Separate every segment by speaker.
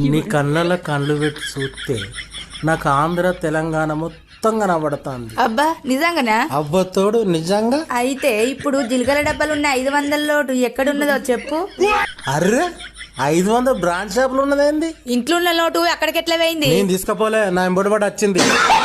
Speaker 1: నీ కళ్ళల్లో కళ్ళు పెట్టి చూస్తే నాకు ఆంధ్ర తెలంగాణ మొత్తం కనబడుతుంది.
Speaker 2: అబ్బా నిజంగానా?
Speaker 1: అబ్బతోడు నిజంగా.
Speaker 2: అయితే ఇప్పుడు జిలకల డబ్బాలున్న 500 నోటు ఎక్కడున్నదో చెప్పు.
Speaker 1: అర్రే 500 బ్రాండ్ షాపులు ఉన్నదేంది?
Speaker 2: ఇంట్లో ఉన్న నోటు అక్కడికి ఎట్లా పోయింది?
Speaker 1: నేను తీసుకపోలే, నా ఎంబడిబడి వచ్చింది.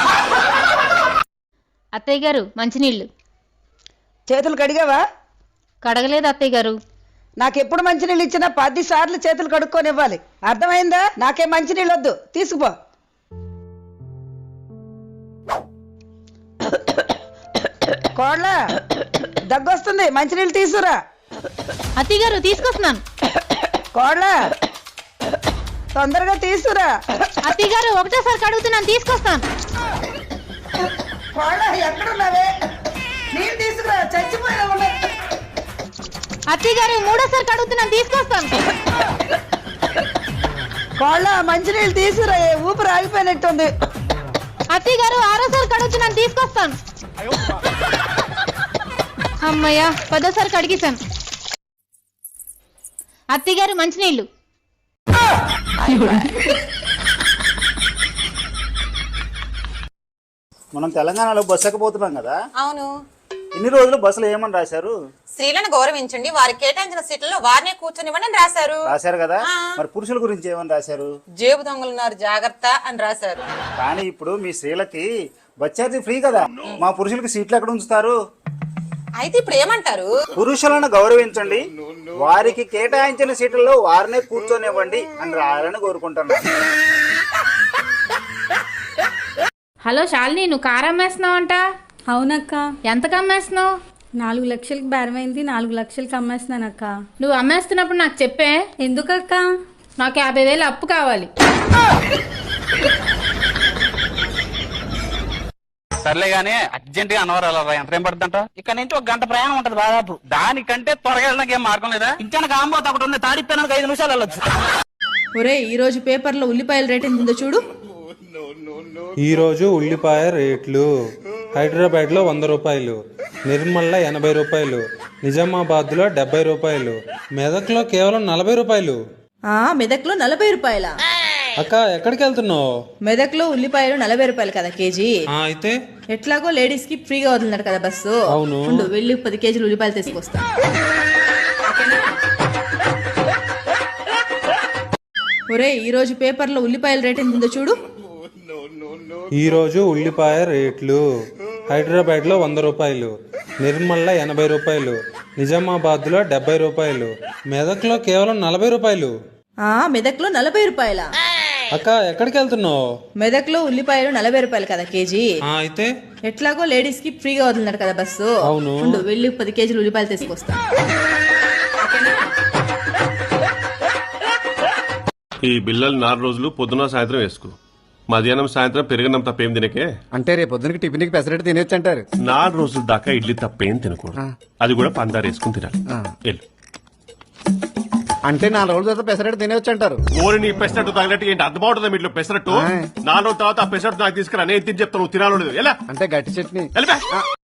Speaker 3: అత్తయ్య గారు మంచినీళ్ళు.
Speaker 4: చేతులు కడిగావా?
Speaker 3: కడగలేదు అత్తయ్య గారు.
Speaker 4: నాకెప్పుడు మంచినీళ్ళు ఇచ్చినా 10 సార్లు చేతులు కడుక్కొని ఇవ్వాలి, అర్థమైందా? నాకేం మంచినీళ్ళు వద్దు, తీసుకుపో. కోళ్ళ దగ్గొస్తుంది, మంచినీళ్ళు తీసుకురా.
Speaker 3: అత్తయ్య గారు తీసుకొస్తున్నాను.
Speaker 4: కోళ్ళ తొందరగా తీసుకురా.
Speaker 3: అత్తయ్య గారు ఒకటేసారి కడుగుతున్నాను, తీసుకొస్తాను.
Speaker 4: కోళ్ళ ఎక్కడున్నావే? నీళ్ళు తీసుకురా, చచ్చిపోయినా ఉన్నాయి.
Speaker 3: అత్తయ్య గారు మూడోసారి కడుగుతున్నాను, తీసుకొస్తాను.
Speaker 4: కోళ్ళ మంచినీళ్ళు తీసుకురా, ఊపిరి ఆగిపోయినట్టుంది.
Speaker 3: అత్తయ్య గారు ఆరోసారి కడుగుతున్నాను, తీసుకొస్తాను. అమ్మయ్య 10ఓసారి కడిగేశాను. అత్తయ్య గారు మంచినీళ్ళు.
Speaker 5: మనం తెలంగాణలో బస్సు ఎక్కబోతున్నాం కదా.
Speaker 6: అవును.
Speaker 5: ఇన్ని రోజులు బస్సులో ఏమని రాశారు?
Speaker 6: స్త్రీలను గౌరవించండి, వారికి కేటాయించిన సీట్లలో వారినే కూర్చొనివ్వండి అని
Speaker 5: రాశారు కదా. మరి పురుషుల గురించి ఏమని రాశారు?
Speaker 6: జేబు దొంగలున్నారు జాగ్రత్త అని రాశారు.
Speaker 5: కానీ ఇప్పుడు మీ స్త్రీలకి బస్ ఛార్జీ ఫ్రీ కదా, మా పురుషులకి సీట్లు ఎక్కడ ఉంచుతారు?
Speaker 6: అయితే ఇప్పుడు ఏమంటారు?
Speaker 5: పురుషులను గౌరవించండి, వారికి కేటాయించిన సీట్లలో వారినే కూర్చొనివ్వండి అని రాయాలని కోరుకుంటున్నాను.
Speaker 3: హలో శాలిని, నువ్వు కారు అమ్మేస్తున్నావు అంట?
Speaker 7: అవునక్క.
Speaker 3: ఎంతకు అమ్మేస్తున్నావు?
Speaker 7: 4 లక్షలకి బేరమైంది, 4 లక్షలకి అమ్మేస్తున్నానక్క.
Speaker 3: నువ్వు అమ్మేస్తున్నప్పుడు నాకు చెప్పే.
Speaker 7: ఎందుకక్క?
Speaker 3: నాకు 50,000 అప్పు కావాలి.
Speaker 8: సర్లే గానీ అర్జెంట్ గా అన్నవరాలు ఎంత టైం పడుతుందంట? ఇక్కడ నుంచి 1 గంట ప్రయాణం ఉంటది దాదాపు. దానికంటే త్వరగా వెళ్ళడానికి ఏం మార్గం లేదా? ఇంచానికి ఆంబోత ఒకటి ఉంది, తాడిపోయినానికి 5 నిమిషాలు వెళ్ళొచ్చు.
Speaker 2: ఒరే ఈ రోజు పేపర్లో ఉల్లిపాయల రేట్ ఎంత ఉందో చూడు.
Speaker 9: ఈ రోజు ఉల్లిపాయ రేట్లు: హైదరాబాద్ లో 100 రూపాయలు, నిర్మల్లో 80 రూపాయలు, నిజామాబాద్ లో 70 రూపాయలు, మెదక్లో కేవలం 40 రూపాయలు.
Speaker 2: మెదక్లో 40 రూపాయల?
Speaker 9: అక్క ఎక్కడికి వెళ్తున్నావు?
Speaker 2: మెదక్లో ఉల్లిపాయలు 40 రూపాయలు కదా కేజీ.
Speaker 9: అయితే
Speaker 2: ఎట్లాగో లేడీస్ కి ఫ్రీగా వదిలినారు కదా బస్సు.
Speaker 9: అవును.
Speaker 2: వెళ్ళి 10 కేజీలు ఉల్లిపాయలు తీసుకొస్తా. ఒరే ఈ రోజు పేపర్లో ఉల్లిపాయల రేట్ ఎంత ఉందో చూడు.
Speaker 9: ఈ రోజు ఉల్లిపాయ రేట్లు: హైదరాబాద్ లో 100 రూపాయలు, నిర్మల్లో 80 రూపాయలు, నిజామాబాద్ లో 70 రూపాయలు, మెదక్లో కేవలం 40 రూపాయలు.
Speaker 2: మెదక్లో 40 రూపాయల?
Speaker 9: అక్క ఎక్కడికి వెళ్తున్నావు?
Speaker 2: మెదక్లో ఉల్లిపాయలు 40 రూపాయలు కదా కేజీ.
Speaker 9: అయితే
Speaker 2: ఎట్లాగో లేడీస్ కి ఫ్రీగా వదిలినారు కదా బస్సు.
Speaker 9: అవును.
Speaker 2: వెళ్ళి 10 కేజీలు ఉల్లిపాయలు తీసుకొస్తా.
Speaker 10: ఈ బిల్లలు 4 రోజులు పొద్దున సాయంత్రం వేసుకో, మధ్యాహ్నం సాయంత్రం పెరిగినం తప్పేం తినకే.
Speaker 11: అంటే రేపు పొద్దునకి టిఫిన్ పెసరెట్ తినేచ్చు అంటారు.
Speaker 10: 4 రోజుల దాకా ఇడ్లీ తప్పేం తినకూడదు, అది కూడా పందారు వేసుకుని తినాలి. వెళ్ళు.
Speaker 11: అంటే 4 రోజుల తర్వాత పెసరెట్ తినేవచ్చు అంటారు.
Speaker 10: ఓరి నీ పెసరట్టు తగినట్టు ఏంటి అర్థం అవుతుంది మీట్లో పెసరట్టు? 4 రోజుల తర్వాత ఆ పెసరట్టు నాకు తీసుకురా, నేను తిని చెప్తాను, నువ్వు తినాలి. ఎలా
Speaker 11: అంటే గట్టి చట్నీ.
Speaker 10: వెళ్ళిపో.